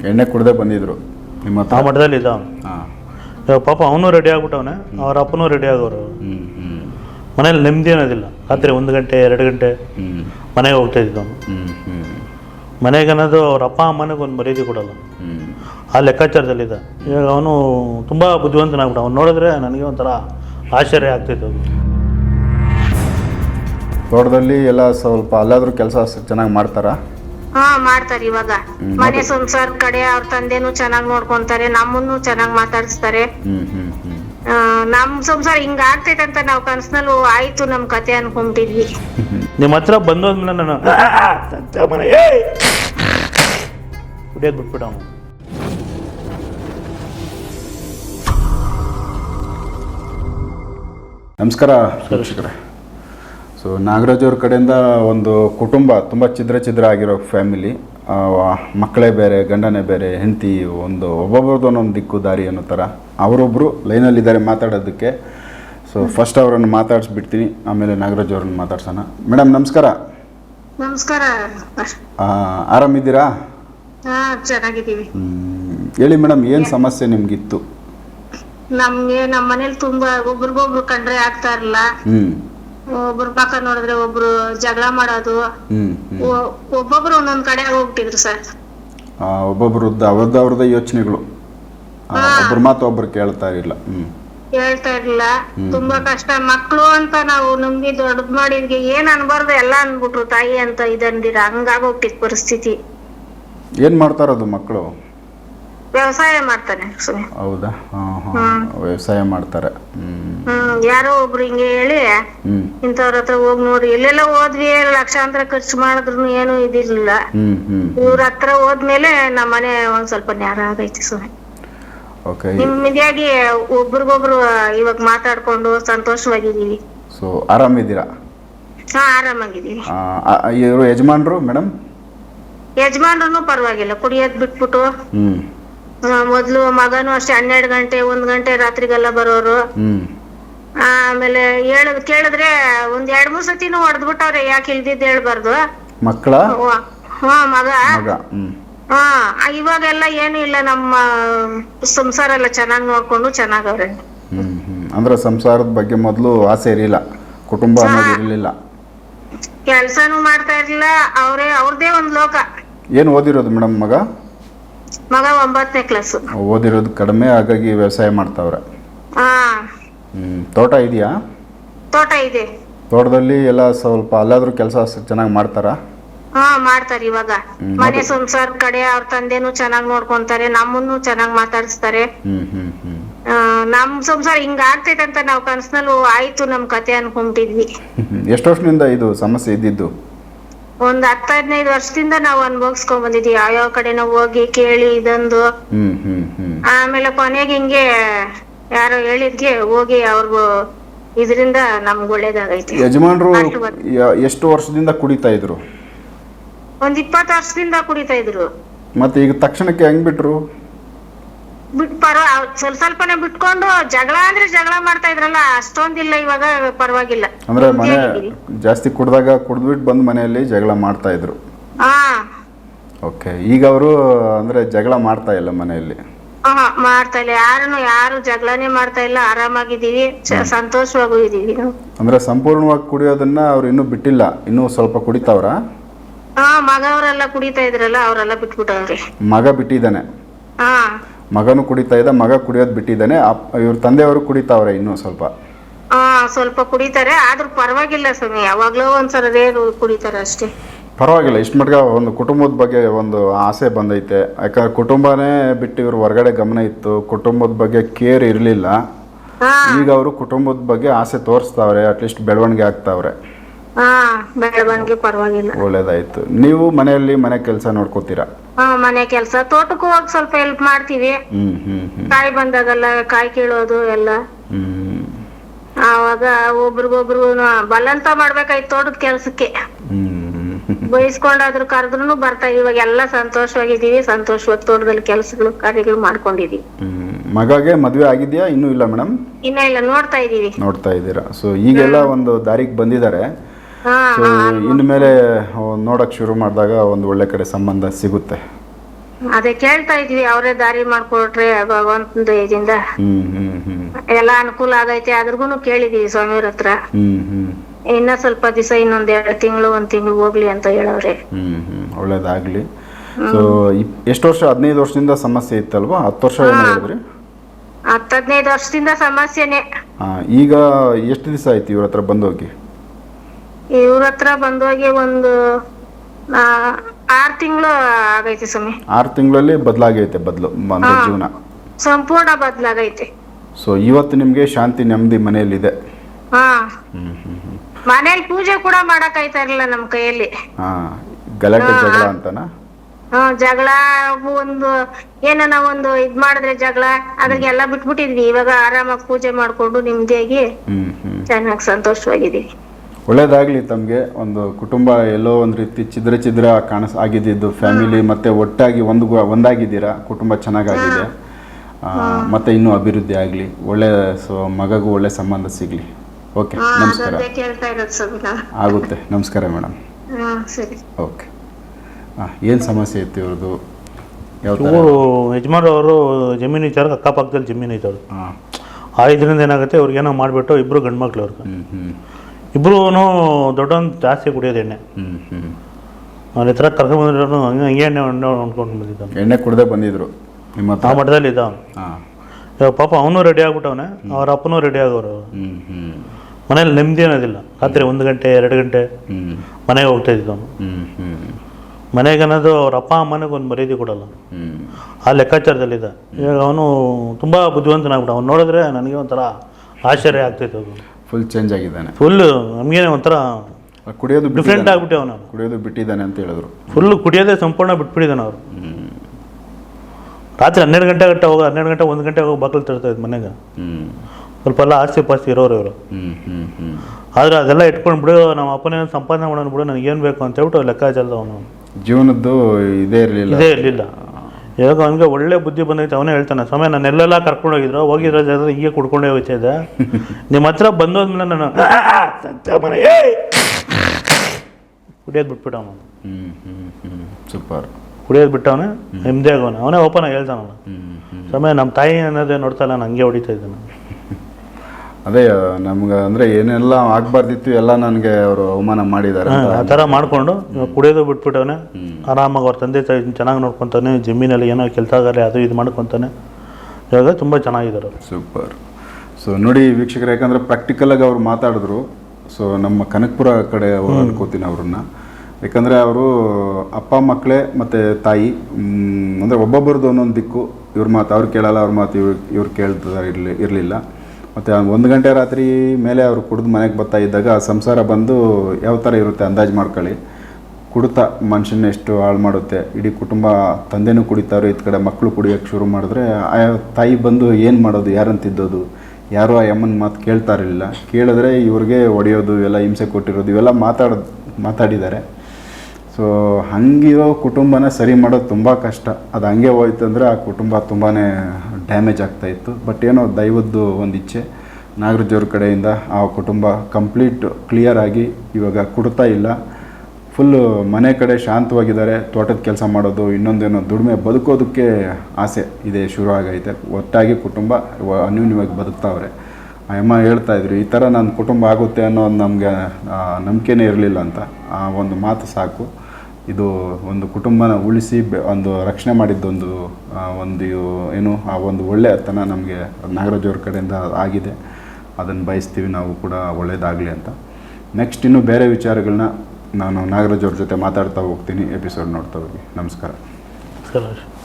ಎಣ್ಣೆ ಕುಡ್ದೇ ಬಂದಿದ್ರು ನಿಮ್ಮ ಆ ಮಠದಲ್ಲಿ ಇದ್ದ ಹಾಂ. ಇವಾಗ ಪಾಪ ಅವನು ರೆಡಿ ಆಗ್ಬಿಟ್ಟವನೆ, ಅವ್ರ ಅಪ್ಪನೂ ರೆಡಿ ಆಗೋರು. ಮನೇಲಿ ನೆಮ್ಮದಿ ಅನ್ನೋದಿಲ್ಲ. ರಾತ್ರಿ 1 ಗಂಟೆ 2 ಗಂಟೆ ಮನೆಗೆ ಹೋಗ್ತಾ ಇದ್ದ ಅವನು. ಮನೆಗೆ ಅನ್ನೋದು ಅವ್ರ ಅಪ್ಪ ಅಮ್ಮನಿಗೆ ಒಂದು ಮರ್ಯಾದೆ ಕೊಡಲ್ಲ, ಆ ಲೆಕ್ಕಾಚಾರದಲ್ಲಿದ್ದ. ಇವಾಗ ಅವನು ತುಂಬ ಬುದ್ಧಿವಂತನಾಗ್ಬಿಟ್ಟ. ಅವ್ನು ನೋಡಿದ್ರೆ ನನಗೆ ಒಂಥರ ಆಶ್ಚರ್ಯ ಆಗ್ತಿತ್ತು. ತೋಟದಲ್ಲಿ ಎಲ್ಲ ಸ್ವಲ್ಪ ಅಲ್ಲಾದ್ರೂ ಕೆಲಸ ಚೆನ್ನಾಗಿ ಮಾಡ್ತಾರಾ? ಮಾಡ್ತಾರೆ. ಇವಾಗ ಮನೆ ಸಂಸಾರ ಕಡೆ ಅವ್ರ ತಂದೆನೂ ಚೆನ್ನಾಗ್ ನೋಡ್ಕೊಂತಾರೆ, ನಮ್ಮನ್ನು ಚೆನ್ನಾಗ್ ಮಾತಾಡಿಸ್ತಾರೆ. ನಮ್ ಸಂಸಾರ ಹಿಂಗ ಆಗ್ತೈತೆ ಅಂತ ನಾವ್ ಕನ್ಸ್ನಲ್ಲೂ ಆಯ್ತು ನಮ್ ಕತೆ ಅನ್ಕೊಂಬಿಟ್ಟಿದ್ವಿ. ನಿಮ್ಮ ಹತ್ರ ಬಂದೋದ್ಮೇಲೆ ನಾನು ಕುಡಿಯೋದು ಬಿಟ್ಬಿಟ್ಟ ಅವನು. ನಮಸ್ಕಾರ ವೀಕ್ಷಕರೇ. ಸೊ ನಾಗರಾಜ್ ಅವ್ರ ಕಡೆಯಿಂದ ಒಂದು ಕುಟುಂಬ ತುಂಬ ಛಿದ್ರ ಆಗಿರೋ ಫ್ಯಾಮಿಲಿ, ಮಕ್ಕಳೇ ಬೇರೆ, ಗಂಡನೇ ಬೇರೆ, ಹೆಂಡತಿ, ಒಬ್ಬೊಬ್ರದ್ದು ಒಂದೊಂದು ದಿಕ್ಕು ದಾರಿ ಅನ್ನೋ ಥರ. ಅವರೊಬ್ಬರು ಲೈನಲ್ಲಿದ್ದಾರೆ ಮಾತಾಡೋದಕ್ಕೆ. ಸೊ ಫಸ್ಟ್ ಅವರನ್ನು ಮಾತಾಡಿಸ್ಬಿಡ್ತೀನಿ, ಆಮೇಲೆ ನಾಗರಾಜ್ ಅವ್ರನ್ನ ಮಾತಾಡ್ಸೋಣ. ಮೇಡಮ್ ನಮಸ್ಕಾರ. ನಮಸ್ಕಾರ. ಆರಾಮಿದ್ದೀರಾ? ಚೆನ್ನಾಗಿದ್ದೀವಿ. ಹೇಳಿ ಮೇಡಮ್, ಏನು ಸಮಸ್ಯೆ ನಿಮ್ಗಿತ್ತು? ನಮ್ಗೆ ನಮ್ಮ ಮನೇಲಿ ತುಂಬಾ ಒಬ್ರಿಗೊಬ್ರು ಕಂಡ್ರೆ ಆಗ್ತಾ ಇರಲ್ಲ. ಒಬ್ರು ಪಕ್ಕ ನೋಡಿದ್ರೆ ಒಬ್ರು ಜಗಳ ಮಾಡೋದು, ಒಬ್ಬೊಬ್ರು ಒಂದೊಂದ್ ಕಡೆ ಹೋಗ್ಬಿಟ್ಟಿದ್ರು ಸರ್. ಒಬ್ಬೊಬ್ರದ್ದು ಅವ್ರದ್ದೇ ಯೋಚನೆಗಳು, ಒಬ್ರು ಮಾತು ಒಬ್ರು ಕೇಳ್ತಾ ಇರಲಿಲ್ಲ. ಹೇಳ್ತಾ ಇರ್ಲಿಲ್ಲ. ತುಂಬಾ ಕಷ್ಟ. ಮಕ್ಳು ಅಂತ ನಾವು ನಮ್ಗೆ ದೊಡ್ಡದ್ ಮಾಡಿದ್ಗೆ ಏನ್ ಅನ್ಬಾರ್ದು ಎಲ್ಲ ಅನ್ಬಿಟ್ರು. ತಾಯಿ ಅಂತ ಇದಂದಿರ ಹಂಗಾಗೋಗ್ತಿತ್ತು ಪರಿಸ್ಥಿತಿ. ಏನ್ ಮಾಡ್ತಾರದು ಮಕ್ಕಳು? ವ್ಯವಸಾಯ ಮಾಡ್ತಾನೆ. ಹೌದಾ? ವ್ಯವಸಾಯ ಮಾಡ್ತಾರೆ. ಯಾರೋ ಒಬ್ರು ಹಿಂಗೆ ಹೇಳಿ ಇಂಥವ್ರ ಹತ್ರ ಹೋಗಿ ನೋಡಿ, ಎಲ್ಲೆಲ್ಲ ಹೋದ್ವಿ, ಲಕ್ಷಾಂತರ ಖರ್ಚು ಮಾಡಿದ್ರು ಏನು ಇದಿರ್ಲಿಲ್ಲ. ಇವ್ರ ಹತ್ರ ಹೋದ್ಮೇಲೆ ನಮ್ಮ ಮನೆ ಒಂದ್ ಸ್ವಲ್ಪ ನ್ಯಾರ ಆಗೈತಿ ಸುಮ್ಮನೆ. ನಿಮ್ಮದಿಯಾಗಿ ಒಬ್ರಿಗೊಬ್ರು ಇವಾಗ ಮಾತಾಡ್ಕೊಂಡು ಸಂತೋಷವಾಗಿದ್ದೀವಿ. ಸೊ ಆರಾಮಿದ್ದೀರಾ? ಆರಾಮಾಗಿದ್ದೀವಿ. ಇವರು ಯಜಮಾನ್ರು ಮೇಡಮ್? ಯಜಮಾನ್ರು ಪರವಾಗಿಲ್ಲ, ಕುಡಿಯೋದ್ ಬಿಟ್ಬಿಟ್ಟು. ಮೊದ್ಲು ಮಗನು ಅಷ್ಟೇ 12 ಗಂಟೆ 1 ಗಂಟೆ ರಾತ್ರಿಗೆಲ್ಲ ಬರೋರು. ಆಮೇಲೆ ಕೇಳಿದ್ರೆ ಒಂದ್ 2-3 ಸತಿನೂ ಹೊಡೆದ್ಬಿಟ್ಟವ್ರೆ. ಯಾಕೆ ಇಲ್ದಿದ್ದು ಹೇಳ್ಬಾರ್ದು. ಮಕ್ಕಳ? ಮಗ. ಇವಾಗೆಲ್ಲ ಏನು ಇಲ್ಲ, ನಮ್ಮ ಸಂಸಾರ ಎಲ್ಲ ಚೆನ್ನಾಗ್ ನೋಡ್ಕೊಂಡು ಚೆನ್ನಾಗವ್ರೆ. ಅಂದ್ರೆ ಸಂಸಾರದ ಬಗ್ಗೆ ಮೊದ್ಲು ಆಸೆ ಇರಲಿಲ್ಲ, ಕುಟುಂಬ ಅನ್ನೋದು ಇರಲಿಲ್ಲ, ಕೆಲ್ಸಾನು ಮಾಡ್ತಾ ಇರ್ಲಿಲ್ಲ. ಅವ್ರದೇ ಒಂದ್ ಲೋಕ. ಏನ್ ಓದಿರೋದು ಮೇಡಮ್ ಮಗ? 9ನೇ ಕ್ಲಾಸ್. ಓದಿರೋದು ಕಡಿಮೆ, ಹಾಗಾಗಿ ವ್ಯವಸಾಯ ಮಾಡ್ತಾವ್ರೆ. ತೋಟ ಇದೆಯಾ? ತೋಟ ಇದೆ. ತೋಟದಲ್ಲಿ ಎಲ್ಲ ಸ್ವಲ್ಪ ಅಲ್ಲಾದ್ರೂ ಕೆಲಸ ಚೆನ್ನಾಗಿ ಮಾಡ್ತಾರಾ? ಮಾಡ್ತಾರೆ. ಇವಾಗ ಮನೆ ಸಂಸಾರ ಕಡೆ ಅವ್ರ ತಂದೆನೂ ಚೆನ್ನಾಗ್ ನೋಡ್ಕೊಂತಾರೆ, ನಮ್ಮನ್ನು ಚೆನ್ನಾಗ್ ಮಾತಾಡಿಸ್ತಾರೆ. ನಮ್ ಸಂಸಾರ ಹಿಂಗ ಆಗ್ತೈತೆ ಅಂತ ನಾವ್ ಕನ್ಸ್ನಲ್ಲೂ ಆಯ್ತು ನಮ್ ಕತೆ ಅನ್ಕೊಂಬಿಟ್ಟಿದ್ವಿ. ಎಷ್ಟು ವರ್ಷದಿಂದ ಇದು ಸಮಸ್ಯೆ ಇದ್ದಿದ್ದು? ಒಂದ್ 10-15 ವರ್ಷದಿಂದ ನಾವು ಅನುಭವಿಸ್ಕೊಂಡ್ ಬಂದಿದ್ವಿ. ಯಾವ್ಯಾವ ಕಡೆ ನಾವು ಹೋಗಿ ಕೇಳಿ ಇದಂದು. ಆಮೇಲೆ ಕೊನೆಗೆ ಹಿಂಗೆ ಯಾರೋ ಹೇಳಿದ್ಗೆ ಹೋಗಿ ಅವ್ರಿಗೂ ಇದರಿಂದ ನಮ್ಗೆ ಒಳ್ಳೇದಾಗೈತಿ. ಯಜಮಾನ್ರು ಎಷ್ಟು ವರ್ಷದಿಂದ ಕುಡಿತಾ ಇದ್ರು? ಒಂದ್ 20 ವರ್ಷದಿಂದ ಕುಡಿತಾ ಇದ್ರು. ಮತ್ತೆ ಈಗ ತಕ್ಷಣಕ್ಕೆ ಹೆಂಗ್ ಬಿಟ್ರು? ಸ್ವಲ್ಪನೇ ಬಿಟ್ಕೊಂಡು ಜಗಳ ಮಾಡ್ತಾ ಇದ್ರಲ್ಲ, ಅಷ್ಟೊಂದಿಲ್ಲ. ಇವಾಗ ಪರವಾಗಿಲ್ಲ. ಅಂದ್ರೆ ಮನೆ ಜಾಸ್ತಿ ಕುಡ್ದ್ಬಿಟ್ಟು ಬಂದ್ ಮನೆಯಲ್ಲಿ ಜಗಳ ಮಾಡ್ತಾ ಇದ್ರು. ಓಕೆ. ಈಗ ಅವರು ಅಂದ್ರೆ ಜಗಳ ಮಾಡ್ತಾ ಇಲ್ಲ ಮನೆಯಲ್ಲಿ? ಮಾಡ್ತಾ ಇಲ್ಲ. ಯಾರು ಜಗಳನೇ ಮಾಡ್ತಾ ಇಲ್ಲ. ಆರಾಮಾಗಿದ್ದೀವಿ, ಸಂತೋಷವಾಗೂ ಇದೀವಿ ನಾವು. ಅಂದ್ರೆ ಸಂಪೂರ್ಣವಾಗಿ ಕುಡಿಯೋದನ್ನ ಅವ್ರು ಇನ್ನೂ ಬಿಟ್ಟಿಲ್ಲ, ಇನ್ನೂ ಸ್ವಲ್ಪ ಕುಡಿತಾವ್ರ? ಮಗ ಅವರೆಲ್ಲ ಕುಡಿತಾ ಇದ್ರಲ್ಲ, ಅವರೆಲ್ಲ ಬಿಟ್ಬಿಟ್ಟವ್ರಿ. ಮಗ ಬಿಟ್ಟಿದ್ದಾನೆ? ಮಗನು ಕುಡಿತಾ ಇದ್ದ, ಮಗ ಕುಡಿಯೋದ್ ಬಿಟ್ಟಿದ್ದಾನೆ. ಇವ್ರ ತಂದೆಯವರು ಕುಡಿತಾವ್ರೆ ಇನ್ನೂ ಸ್ವಲ್ಪ? ಸ್ವಲ್ಪ ಕುಡಿತಾರೆ, ಆದ್ರೂ ಪರವಾಗಿಲ್ಲ ಸ್ವಾಮಿ. ಯಾವಾಗ್ಲೂ ಒಂದ್ಸಲ ರೇರು ಕುಡಿತಾರೆ ಅಷ್ಟೇ. ಪರವಾಗಿಲ್ಲ. ಇಷ್ಟ ಮಟ್ಟ ಒಂದು ಕುಟುಂಬದ ಬಗ್ಗೆ ಒಂದು ಆಸೆ ಬಂದೈತೆ. ಯಾಕಂದ್ರೆ ಕುಟುಂಬನೇ ಬಿಟ್ಟು ಇವ್ರ ಹೊರಗಡೆ ಗಮನ ಇತ್ತು, ಕುಟುಂಬದ ಬಗ್ಗೆ ಕೇರ್ ಇರಲಿಲ್ಲ. ಈಗ ಅವರು ಕುಟುಂಬದ ಬಗ್ಗೆ ಆಸೆ ತೋರಿಸ್ತಾವ್ರೆ, ಅಟ್ಲೀಸ್ಟ್ ಬೆಳವಣಿಗೆ ಆಗ್ತಾವ್ರೆ. ಬೆಳವಣಿಗೆ ಪರವಾಗಿಲ್ಲ. ಒಳ್ಳೇದಾಯ್ತು. ನೀವು ಮನೆಯಲ್ಲಿ ಮನೆ ಕೆಲಸ ನೋಡ್ಕೋತೀರಾ? ಮನೆ ಕೆಲಸ, ತೋಟಕ್ಕೂ ಹೋಗಿ ಸ್ವಲ್ಪ ಹೆಲ್ಪ್ ಮಾಡ್ತೀವಿ. ಕಾಯಿ ಬಂದಾಗಲ್ಲ ಕಾಯಿ ಕೀಳೋದು ಎಲ್ಲ. ಆವಾಗ ಒಬ್ರಿಗೊಬ್ರು ಬಲಂತ ಮಾಡ್ಬೇಕಾಯ್ತು ತೋಟದ ಕೆಲ್ಸಕ್ಕೆ. ಬಯಸ್ಕೊಂಡಾದ್ರು ಕರೆದ್ರು ಬರ್ತಾ. ಇವಾಗ ಎಲ್ಲ ಸಂತೋಷವಾಗಿದ್ದೀವಿ, ಸಂತೋಷವಾಗಿ ತೋಟದಲ್ಲಿ ಕೆಲಸಗಳು ಕಾರ್ಯಗಳು ಮಾಡ್ಕೊಂಡಿದೀವಿ. ಮಗಗೆ ಮದ್ವೆ ಆಗಿದ್ಯಾ? ಇನ್ನೂ ಇಲ್ಲ ಮೇಡಮ್? ಇನ್ನ ಇಲ್ಲ, ನೋಡ್ತಾ ಇದೀವಿ. ನೋಡ್ತಾ ಇದ್ದೀರಾ? ಸೊ ಈಗೆಲ್ಲ ಒಂದು ದಾರಿಗೆ ಬಂದಿದ್ದಾರೆ. ಸೊ ಇನ್ಮೇಲೆ ನೋಡಕ್ ಶುರು ಮಾಡಿದಾಗ ಒಂದು ಒಳ್ಳೆ ಕಡೆ ಸಂಬಂಧ ಸಿಗುತ್ತೆ. ಅದೇ ಕೇಳ್ತಾ ಇದ್ವಿ, ಅವರೇ ದಾರಿ ಮಾಡ್ಕೊಟ್ರೆ ಭಗವಂತನ ಇದರಿಂದ ಎಲ್ಲಾ ಅನುಕೂಲ ಆಗೈತೆ. ಅದ್ರಗೂನು ಕೇಳಿದೀವಿ ಸ್ವಾಮಿಯವ್ರ ಹತ್ರ. ಇನ್ನ ಸ್ವಲ್ಪ ದಿವಸ ಇನ್ನೊಂದ್ 1 ತಿಂಗಳು 1 ತಿಂಗಳು ಹೋಗ್ಲಿ ಅಂತ ಹೇಳವ್ರೆ. ಒಳ್ಳೇದಾಗ್ಲಿ. ಸೊ ಎಷ್ಟು ವರ್ಷ? 15 ವರ್ಷದಿಂದ ಸಮಸ್ಯೆ ಇತ್ತಲ್ವಾ? 10 ವರ್ಷ ಏನು ಹೇಳಿದ್ರಿ? 10-15 ವರ್ಷದಿಂದ ಸಮಸ್ಯೆನೆ. ಈಗ ಎಷ್ಟು ದಿವಸ ಆಯ್ತು ಇವ್ರ ಹತ್ರ ಬಂದೋಗಿ? ಇವ್ರ ಹತ್ರ ಬಂದೋಗಿ ಒಂದು 6 ತಿಂಗಳು ಆಗೈತೆ ಸ್ವಾಮಿ. 6 ತಿಂಗಳಲ್ಲಿ ಬದಲಾಗೈತೆ ಜೀವನ ಸಂಪೂರ್ಣ ಬದಲಾಗೈತೆ. ಸೊ ಇವತ್ತು ನಿಮ್ಗೆ ಶಾಂತಿ ನೆಮ್ಮದಿ ಮನೆಯಲ್ಲಿದೆ? ಮನೇಲಿ ಪೂಜೆ ಕೂಡ ಮಾಡಕ್ ಆಯ್ತಾ ಇರಲಿಲ್ಲ ನಮ್ ಕೈಯಲ್ಲಿ. ಗಲಾಟೆ ಜಗಳ ಅಂತನಾ? ಜಗಳ ಒಂದು ಏನನ ಒಂದು ಇದ್ ಮಾಡಿದ್ರೆ ಜಗಳ, ಅದ್ರಿಗೆಲ್ಲ ಬಿಟ್ಬಿಟ್ಟಿದ್ವಿ. ಇವಾಗ ಆರಾಮಾಗಿ ಪೂಜೆ ಮಾಡ್ಕೊಂಡು ನೆಮ್ಮದಿಯಾಗಿ ಚೆನ್ನಾಗಿ ಸಂತೋಷವಾಗಿದ್ದೀವಿ. ಒಳ್ಳೇದಾಗ್ಲಿ ತಮಗೆ. ಒಂದು ಕುಟುಂಬ ಎಲ್ಲೋ ಒಂದು ರೀತಿ ಛಿದ್ರ ಆಗಿದ್ದು ಫ್ಯಾಮಿಲಿ ಮತ್ತೆ ಒಟ್ಟಾಗಿ ಒಂದಾಗಿದ್ದೀರಾ. ಕುಟುಂಬ ಚೆನ್ನಾಗಾಗಿದೆ. ಮತ್ತೆ ಇನ್ನೂ ಅಭಿವೃದ್ಧಿ ಆಗಲಿ. ಒಳ್ಳೆ ಮಗಗೂ ಒಳ್ಳೆ ಸಂಬಂಧ ಸಿಗಲಿ. ಓಕೆ, ನಮಸ್ಕಾರ. ಆಗುತ್ತೆ. ನಮಸ್ಕಾರ ಮೇಡಮ್. ಓಕೆ. ಏನು ಸಮಸ್ಯೆ ಇತ್ತು ಇವ್ರದ್ದು? ಇವರು ಯಜಮಾನರು ಜಮೀನು ವಿಚಾರ ಅಕ್ಕಪಕ್ಕದಲ್ಲಿ ಜಮೀನು ಐತವ್ರು. ಆ ಇದರಿಂದ ಏನಾಗುತ್ತೆ, ಅವ್ರಿಗೇನೋ ಮಾಡಿಬಿಟ್ಟು ಇಬ್ಬರು ಗಂಡು ಮಕ್ಳು ಅವ್ರಿಗೆ. ಇಬ್ಬರೂ ದೊಡ್ಡವನು ಜಾಸ್ತಿ ಕುಡಿಯೋದು ಎಣ್ಣೆ. ಅವ್ರ ಹತ್ರ ಕರ್ಕೊಂಡ್ಬಂದ್ರು ಹಂಗೆ ಎಣ್ಣೆ ಹೊಂದ್ಕೊಂಡು ಬಂದಿದ್ದಾನೆ. ಎಣ್ಣೆ ಕುಡ್ದೇ ಬಂದಿದ್ರು ನಿಮ್ಮ ಆ ಮಠದಲ್ಲಿ ಇದ್ದ. ಇವಾಗ ಪಾಪ ಅವನು ರೆಡಿ ಆಗ್ಬಿಟ್ಟವನೆ, ಅವ್ರ ಅಪ್ಪನೂ ರೆಡಿ ಆಗೋರು. ಮನೇಲಿ ನೆಮ್ಮದಿ ಅನ್ನೋದಿಲ್ಲ. ರಾತ್ರಿ 1 ಗಂಟೆ 2 ಗಂಟೆ ಮನೆಗೆ ಹೋಗ್ತಾ ಇದ್ದವನು. ಮನೆಗೆ ಅನ್ನೋದು ಅವ್ರ ಅಪ್ಪ ಅಮ್ಮನಿಗೆ ಒಂದು ಮರ್ಯಾದೆ ಕೊಡಲ್ಲ. ಆ ಲೆಕ್ಕಾಚಾರದಲ್ಲಿದ್ದ. ಇವಾಗ ಅವನು ತುಂಬ ಬುದ್ಧಿವಂತನಾಗ್ಬಿಟ್ಟ. ಅವ್ನು ನೋಡಿದ್ರೆ ನನಗೆ ಒಂಥರ ಆಶ್ಚರ್ಯ ಆಗ್ತೈತೆ. ಅದು ಫುಲ್ ಚೇಂಜ್ ಆಗಿದ್ದಾನೆ. ಫುಲ್ ನಮಗೇನೆ ಒಂಥರ ಕುಡಿಯೋದು ಡಿಫ್ರೆಂಟ್ ಆಗ್ಬಿಟ್ಟೆ. ಅವನು ಕುಡಿಯೋದು ಬಿಟ್ಟಿದ್ದಾನೆ ಅಂತ ಹೇಳಿದ್ರು. ಫುಲ್ ಕುಡಿಯೋದೇ ಸಂಪೂರ್ಣ ಬಿಟ್ಬಿಟ್ಟಿದ್ದಾನೆ ಅವರು. ರಾತ್ರಿ 12 ಗಂಟೆ 1 ಗಂಟೆ ಹೋಗಿ ಬಾಗಿಲು ತರ್ತಾ ಇದ್ದು ಮನೆಗೆ. ಸ್ವಲ್ಪ ಎಲ್ಲ ಆಸ್ತಿ ಪಾಸ್ತಿ ಇರೋರು ಇವರು. ಆದರೆ ಅದೆಲ್ಲ ಇಟ್ಕೊಂಡು ಬಿಡು, ನಮ್ಮ ಅಪ್ಪನೇ ಸಂಪಾದನೆ ಮಾಡೋಣ ಬಿಡು, ನನಗೇನು ಬೇಕು ಅಂತ ಹೇಳ್ಬಿಟ್ಟು ಲೆಕ್ಕಾಚಾರದ ಅವನು ಜೀವನದ್ದು ಇದೇ ಇರಲಿಲ್ಲ. ಇವಾಗ ಅವನಿಗೆ ಒಳ್ಳೆ ಬುದ್ಧಿ ಬಂದೈತೆ. ಅವನೇ ಹೇಳ್ತಾನೆ, ಸಮಯ ನಾನೆಲ್ಲೆಲ್ಲ ಕರ್ಕೊಂಡು ಹೋಗಿರೋ ಜಾಗ ಹೀಗೆ ಕುಡ್ಕೊಂಡೇ ಹೋಗ್ತಿದ್ದೆ. ನಿಮ್ಮ ಹತ್ರ ಬಂದೋದ್ಮೇಲೆ ನಾನು ಕುಡಿಯೋದು ಬಿಟ್ಬಿಟ್ಟು ಅವನು. ಸೂಪರ್. ಕುಡಿಯೋದು ಬಿಟ್ಟವನೇ ನೆಮ್ಮದಿ ಆಗೋನೆ. ಅವನೇ ಓಪನ್ ಆಗಿ ಹೇಳ್ತಾನಲ್ಲ, ಸಮಯ ನಮ್ಮ ತಾಯಿ ಅನ್ನೋದೇ ನೋಡ್ತಾ ಇಲ್ಲ, ನಾನು ಹಂಗೆ ಹೊಡಿತಾ ಇದ್ದಾನೆ. ಅದೇ ನಮ್ಗೆ ಅಂದರೆ ಏನೆಲ್ಲ ಆಗಬಾರ್ದಿತ್ತು ಎಲ್ಲ ನನಗೆ ಅವರು ಅವಮಾನ ಮಾಡಿದ್ದಾರೆ ಆ ಥರ ಮಾಡಿಕೊಂಡು ಕುಡಿಯೋದು ಬಿಟ್ಬಿಟ್ಟವನೆ. ಆರಾಮಾಗಿ ಅವ್ರ ತಂದೆ ತಾಯಿ ಚೆನ್ನಾಗಿ ನೋಡ್ಕೊತಾನೆ. ಜಮೀನಲ್ಲಿ ಏನೋ ಕೆಲಸ ಆಗಲಿ ಅದು ಇದು ಮಾಡ್ಕೊತಾನೆ. ಇವಾಗ ತುಂಬ ಚೆನ್ನಾಗಿದ್ದಾರೆ. ಸೂಪರ್. ಸೊ ನೋಡಿ ವೀಕ್ಷಕರು, ಯಾಕಂದರೆ ಪ್ರಾಕ್ಟಿಕಲಾಗಿ ಅವ್ರು ಮಾತಾಡಿದ್ರು. ಸೊ ನಮ್ಮ ಕನಕಪುರ ಕಡೆ ಅವರು ಅನ್ಕೋತೀನಿ ಅವ್ರನ್ನ. ಯಾಕಂದರೆ ಅವರು ಅಪ್ಪ ಮಕ್ಕಳೇ ಮತ್ತು ತಾಯಿ ಅಂದರೆ ಒಬ್ಬೊಬ್ಬರದ್ದು ಒಂದೊಂದು ದಿಕ್ಕು. ಇವ್ರ ಮಾತು ಅವ್ರು ಕೇಳಲ್ಲ, ಅವ್ರ ಮಾತು ಇವ್ರು ಕೇಳ್ತಾ ಇರಲಿಲ್ಲ. ಮತ್ತು 1 ಗಂಟೆ ರಾತ್ರಿ ಮೇಲೆ ಅವರು ಕುಡಿದು ಮನೆಗೆ ಬರ್ತಾ ಇದ್ದಾಗ ಸಂಸಾರ ಬಂದು ಯಾವ ಥರ ಇರುತ್ತೆ ಅಂದಾಜು ಮಾಡ್ಕೊಳ್ಳಿ. ಕುಡಿತ ಮನುಷ್ಯನ ಎಷ್ಟು ಹಾಳು ಮಾಡುತ್ತೆ. ಇಡೀ ಕುಟುಂಬ, ತಂದೆನೂ ಕುಡಿತಾರೆ, ಇತ್ತ ಕಡೆ ಮಕ್ಕಳು ಕುಡಿಯೋಕ್ಕೆ ಶುರು ಮಾಡಿದ್ರೆ ಆ ತಾಯಿ ಬಂದು ಏನು ಮಾಡೋದು, ಯಾರಂತಿದ್ದೋದು, ಯಾರೂ ಆ ಯಮ್ಮನ ಮಾತು ಕೇಳ್ತಾ ಇರಲಿಲ್ಲ. ಕೇಳಿದ್ರೆ ಇವ್ರಿಗೆ ಹೊಡೆಯೋದು, ಇವೆಲ್ಲ ಹಿಂಸೆ ಕೊಟ್ಟಿರೋದು, ಇವೆಲ್ಲ ಮಾತಾಡಿದ್ದಾರೆ. ಸೊ ಹಂಗಿರೋ ಕುಟುಂಬನ ಸರಿ ಮಾಡೋದು ತುಂಬ ಕಷ್ಟ. ಅದು ಹಂಗೆ ಹೋಯ್ತು ಅಂದರೆ ಆ ಕುಟುಂಬ ತುಂಬಾ ಡ್ಯಾಮೇಜ್ ಆಗ್ತಾಯಿತ್ತು. ಬಟ್ ಏನೋ ದೈವದ್ದು ಒಂದು ಇಚ್ಛೆ, ನಾಗರಾಜವ್ರ ಕಡೆಯಿಂದ ಆ ಕುಟುಂಬ ಕಂಪ್ಲೀಟ್ ಕ್ಲಿಯರ್ ಆಗಿ ಇವಾಗ ಕುಡ್ತಾ ಇಲ್ಲ. ಫುಲ್ಲು ಮನೆ ಕಡೆ ಶಾಂತವಾಗಿದ್ದಾರೆ. ತೋಟದ ಕೆಲಸ ಮಾಡೋದು, ಇನ್ನೊಂದೇನೋ ದುಡಿಮೆ, ಬದುಕೋದಕ್ಕೆ ಆಸೆ ಇದೆ ಶುರು ಆಗೈತೆ. ಒಟ್ಟಾಗಿ ಕುಟುಂಬ ಅನ್ಯೂನ್ಯವಾಗಿ ಬದುಕ್ತಾವ್ರೆ. ಆ ಅಮ್ಮ ಹೇಳ್ತಾಯಿದ್ರು, ಈ ಥರ ನನ್ನ ಕುಟುಂಬ ಆಗುತ್ತೆ ಅನ್ನೋ ನಮಗೆ ನಂಬಿಕೆನೇ ಇರಲಿಲ್ಲ ಅಂತ. ಆ ಒಂದು ಮಾತು ಸಾಕು. ಇದು ಒಂದು ಕುಟುಂಬನ ಉಳಿಸಿ ಒಂದು ರಕ್ಷಣೆ ಮಾಡಿದ್ದೊಂದು ಏನು ಆ ಒಂದು ಒಳ್ಳೆಯತನ ನಮಗೆ ನಾಗರಾಜವ್ರ ಕಡೆಯಿಂದ ಆಗಿದೆ. ಅದನ್ನು ಬಯಸ್ತೀವಿ ನಾವು ಕೂಡ ಒಳ್ಳೆಯದಾಗಲಿ ಅಂತ. ನೆಕ್ಸ್ಟ್ ಇನ್ನೂ ಬೇರೆ ವಿಚಾರಗಳನ್ನ ನಾನು ನಾಗರಾಜವ್ರ ಜೊತೆ ಮಾತಾಡ್ತಾ ಹೋಗ್ತೀನಿ. ಎಪಿಸೋಡ್ ನೋಡ್ತಾ ಹೋಗಿ. ನಮಸ್ಕಾರ.